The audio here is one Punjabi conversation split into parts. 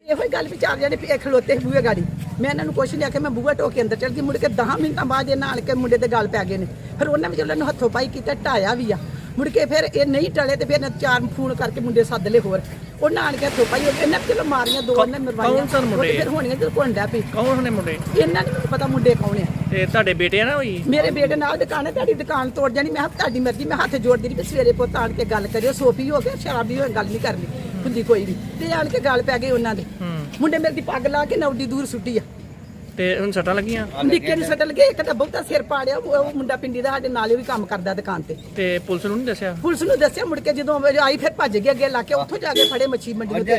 ਇਹੋ ਹੀ ਗੱਲ ਵੀ 4 ਜਣੇ ਖਲੋਤੇ ਬੂਹੇ ਗਾੜੀ ਮੈਂ ਇਹਨਾਂ ਨੂੰ ਕੁਛ ਨਹੀਂ ਆਖਿਆ। ਮੈਂ ਬੂਹਾ ਢੋ ਕੇ ਅੰਦਰ ਚਲ ਗਈ। ਮੁੜ ਕੇ 10 ਮਿੰਟਾਂ ਬਾਅਦ ਇਹਨਾਂ ਆਣ ਕੇ ਮੁੰਡੇ ਦੇ ਗੱਲ ਪੈ ਗਏ ਨੇ। ਫਿਰ ਉਹਨਾਂ ਵਿੱਚ ਉਹਨਾਂ ਨੂੰ ਹੱਥੋਂ ਪਾਈ ਕੀਤਾ, ਢਾਇਆ ਵੀ ਆ। ਮੁੜ ਕੇ ਫਿਰ ਇਹ ਨਹੀਂ ਟਲੇ ਤੇ ਫਿਰ 4 ਫੋਨ ਕਰਕੇ ਮੁੰਡੇ ਸੱਦ ਲਏ ਹੋਰ। ਉਹਨਾਂ ਆਣ ਕੇ ਹੱਥੋਂ ਪਾਈ ਇਹਨਾਂ ਚਲੋ ਮਾਰੀਆਂ 2 ਨੇ ਮਰਵਾਈਆਂ। ਫਿਰ ਹੋਣੀਆਂ ਜਦੋਂ ਕੋਂਡਾ ਪਈ। ਕੌਣ ਨੇ ਮੁੰਡੇ? ਇਹਨਾਂ ਨੂੰ ਪਤਾ ਮੁੰਡੇ ਕੌਣ ਆ। ਤੇ ਤੁਹਾਡੇ ਬੇਟੇ ਆ ਨਾ ਹੋਈ? ਮੇਰੇ ਬੇਟੇ ਨਾਲ ਦੁਕਾਨ ਹੈ, ਤੁਹਾਡੀ ਦੁਕਾਨ ਤੋੜ ਜਾਣੀ। ਮੈਂ ਤੁਹਾਡੀ ਮਰਜ਼ੀ। ਮੈਂ ਹੱਥ ਜੋੜਦੀ ਰਹੀ ਕਿ ਸਵੇਰੇ ਪੁੱਤ ਆਣ ਕੇ ਗੱਲ ਕਰਿਓ। ਸੋਫੀ ਹੋ ਗਿਆ, ਸ਼ਰਾਬੀ ਹੋਏ, ਗੱਲ ਨਹੀਂ ਕਰਨੀ ਹੁੰਦੀ ਕੋਈ ਵੀ। ਤੇ ਆਣ ਕੇ ਗੱਲ ਪੈ ਗਈ ਉਹਨਾਂ ਦੇ। ਮੁੰਡੇ ਮੇਰੇ ਦੀ ਪੱਗ ਲਾ ਕੇ ਨੌਡੀ ਦੂਰ ਸੁੱਟੀ ਆ। ਤੇ ਹੁਣ ਸੱਟਾਂ ਲੱਗੀਆਂ? ਨਿੱਕੇ ਨੂੰ ਸੱਟ ਲੱਗੇ। ਇੱਕ ਤਾਂ ਬਹੁਤਾ ਸਿਰ ਪਾੜਿਆ। ਉਹ ਮੁੰਡਾ ਪਿੰਡੀ ਦਾ ਸਾਡੇ ਨਾਲ ਵੀ ਕੰਮ ਕਰਦਾ ਦੁਕਾਨ ਤੇ। ਤੇ ਪੁਲਿਸ ਨੂੰ ਨਹੀਂ ਦੱਸਿਆ? ਪੁਲਿਸ ਨੂੰ ਦੱਸਿਆ। ਮੁੜ ਕੇ ਜਦੋਂ ਆਈ ਫਿਰ ਭੱਜ ਗਏ ਅੱਗੇ ਲਾ ਕੇ। ਉੱਥੋਂ ਜਾ ਕੇ ਫੜੇ ਮੱਛੀ ਮੰਡੀ ਨੂੰ।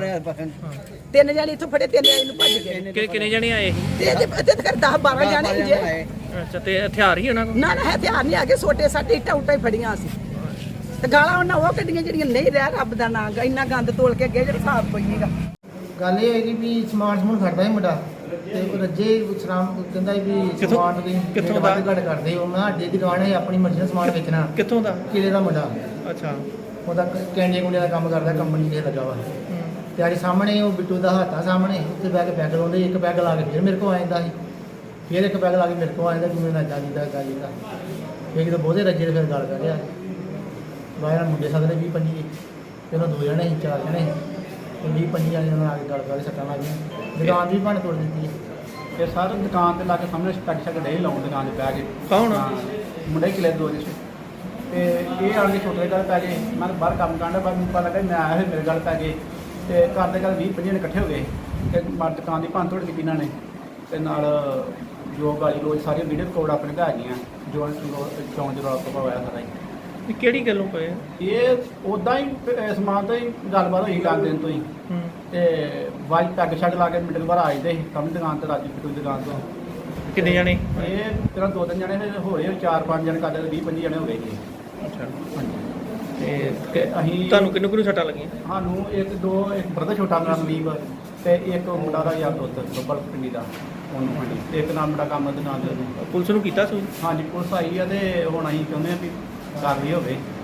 3 ਜਣੇ ਇੱਥੋਂ ਫੜੇ, 3 ਜਣੇ ਨੂੰ ਭੱਜ ਗਏ। ਕਿੰਨੇ ਜਣੇ ਆਏ ਸੀ? ਤੇ ਇਹਦੇ 10-12 ਜਣੇ ਜੇ। ਅੱਛਾ, ਤੇ ਹਥਿਆਰ ਹੀ ਉਹਨਾਂ ਕੋਲ? ਨਾ ਹਥਿਆਰ ਨਹੀਂ ਆ ਗਏ। ਸੋਟੇ ਸਾਡੇ ਇੱਟਾਂ ਉੱਟਾਂ ਹੀ ਫੜੀਆਂ ਸੀ। ਤੇ ਗਾਲਾਂ ਉਹਨਾਂ ਉਹ ਕੱਢੀਆਂ ਜਿਹੜੀਆਂ ਨਹੀਂ ਰਹਿ ਰੱਬ ਦਾ ਨਾਂ ਗਾ। ਇੰਨਾ ਗੰਦ ਤੋਲ ਕੇ ਅੱਗੇ ਜਿਹੜਾ ਹਿਸਾਬ ਕੋਈ ਨਹੀਂਗਾ। ਗੱਲ ਇਹ ਹੈਗੀ ਵੀ ਸਮਾਨ ਸਮੂਨ ਖੜਦਾ ਹੈ ਮੁੰਡਾ ਤੇ ਉਹ ਰੱਜੇ ਸ਼ਰਾਬ ਕਹਿੰਦਾ ਵੀ ਸਮਾਨ ਦੀ ਕਿੱਥੋਂ ਦਾ ਘੜ ਕਰਦੇ ਹੋ। ਮੈਂ ਅੱਡੇ ਦੀ ਦੁਕਾਨ ਹੈ, ਆਪਣੀ ਮਰਜ਼ੀ ਨਾਲ ਸਮਾਨ ਵੇਚਣਾ। ਕਿੱਥੋਂ ਦਾ? ਕਿਲੇ ਦਾ ਮੁੰਡਾ। ਅੱਛਾ। ਉਹਦਾ ਕੈਂਡੀਆਂ ਕੁੰਡੀਆਂ ਦਾ ਕੰਮ ਕਰਦਾ, ਕੰਪਨੀ ਤੇ ਲੱਗਾ ਵਾ। ਤੇ ਆੜੀ ਸਾਹਮਣੇ ਉਹ ਬਿੱਟੂ ਦਾ ਹੱਥਾ ਸਾਹਮਣੇ ਉੱਤੇ ਬਹਿ ਕੇ ਪੈਗ ਲਾਉਂਦੇ। ਇੱਕ ਪੈਗ ਲਾ ਕੇ ਫਿਰ ਮੇਰੇ ਕੋਲ ਆ ਜਾਂਦਾ ਸੀ। ਫਿਰ ਇੱਕ ਪੈਗ ਲਾ ਕੇ ਮੇਰੇ ਕੋਲ ਆ ਜਾਂਦਾ। ਜਿਵੇਂ ਨੱਚਾ ਜਿੱਦਾਂ ਗਾਜੀਦਾ ਇੱਕ ਤਾਂ ਬਹੁਤੇ ਰੱਜੇ ਫਿਰ ਗੱਲ ਕਰ ਰਿਹਾ। ਬਾਹਰ ਮੁੰਡੇ ਸਕਦੇ 20-25 ਤੇ ਉਹਨਾਂ 2 ਜਣੇ ਸੀ, 4 ਜਣੇ ਤੇ 20-25 ਜਣੇ ਉਹਨਾਂ ਆ ਕੇ ਗੱਲ ਕਰ ਸੱਟਾਂ ਲੱਗ ਗਈਆਂ। ਦੁਕਾਨ ਵੀ ਭੰਨ ਤੋੜ ਦਿੱਤੀ ਹੈ। ਇਹ ਸਾਰੇ ਦੁਕਾਨ ਤੇ ਲਾ ਕੇ ਸਾਹਮਣੇ ਪੈਗ ਸ਼ੈਗ ਡੇ ਲਾਉਣ ਦੁਕਾਨ 'ਤੇ ਬਹਿ ਕੇ। ਕੌਣ? ਮੁੰਡੇ ਕਿਲੇ 2 ਜਿਸ ਤੇ ਇਹ ਆਣ ਕੇ ਛੋਟੇ ਗੱਲ ਪੈ ਗਏ। ਮੈਂ ਬਾਹਰ ਕੰਮ ਕਰਦਾ, ਬਾਅਦ ਮੈਨੂੰ ਪਤਾ ਲੱਗਾ ਮੈਂ ਆਇਆ ਫਿਰ ਮੇਰੇ ਗੱਲ ਪੈ ਗਏ। ਤੇ ਕਰਦੇ ਗੱਲ 20-25 ਜਣੇ ਇਕੱਠੇ ਹੋ ਗਏ ਤੇ ਦੁਕਾਨ ਦੀ ਭੰਨ ਤੋੜ ਕੀਤੀ ਇਹਨਾਂ ਨੇ। ਤੇ ਨਾਲ ਜੋ ਗਾਲੀ ਲੋਕ ਸਾਰੀਆਂ ਵੀਡੀਓ ਰਿਕਾਰਡ ਆਪਣੇ ਘਰ ਗਈਆਂ। ਜੋ ਚੌਂਕ ਦੇ ਰੌਲਾ ਪਾ ਹੋਇਆ ਸਾਰਾ ਹੀ। ਇਹ ਕਿਹੜੀ ਗੱਲੋਂ ਪਏ? ਇਹ ਉਦਾਂ ਹੀ ਸਮਾਨ ਤੋਂ ਹੀ ਗੱਲਬਾਤ ਹੋਈ ਲੱਗ ਦਿਨ ਤੋਂ ਹੀ। ਤੇ ਵਾਜ ਪੈਗ ਛੱਡ ਲਾ ਕੇ ਮਿੰਟ ਬਾਅਦ ਆ ਜਾਂਦੇ ਸੀ ਕੰਮ ਦੁਕਾਨ ਤੇ। ਰਾਜੀ ਪਿੱਟੂ ਦੁਕਾਨ ਤੋਂ। ਕਿੰਨੇ ਜਣੇ? ਇਹ ਤੇਰਾ 2-3 ਜਣੇ ਫਿਰ ਹੋਏ, 4-5 ਜਣੇ ਕਰਦੇ 20-25 ਜਣੇ ਹੋ ਗਏ ਜੀ। ਅੱਛਾ। ਹਾਂਜੀ। ਤੇ ਅਸੀਂ ਤੁਹਾਨੂੰ ਕਿੰਨੂੰ ਸੱਟਾਂ ਲੱਗੀਆਂ? ਸਾਨੂੰ ਇੱਕ ਬਰਦਰ ਛੋਟਾ ਮੇਰਾ ਮਲੀਬ ਤੇ ਇੱਕ ਮੁੰਡਾ ਦਾ ਯਾਰ ਦੋਸਤ ਬੱਬਲ ਪਿੰਡੀ ਦਾ ਉਹਨੂੰ। ਹਾਂਜੀ। ਤੇ ਇੱਕ ਨਾਮ ਮੇਰਾ ਕੰਮ ਦੁਕਾਨ ਦੇ। ਪੁਲਿਸ ਨੂੰ ਕੀਤਾ ਸੀ? ਹਾਂਜੀ, ਪੁਲਿਸ ਆਈ ਆ ਤੇ ਹੁਣ ਅਸੀਂ ਚਾਹੁੰਦੇ ਹਾਂ ਵੀ ਕਾਰਵਾਈ ਹੋਵੇ।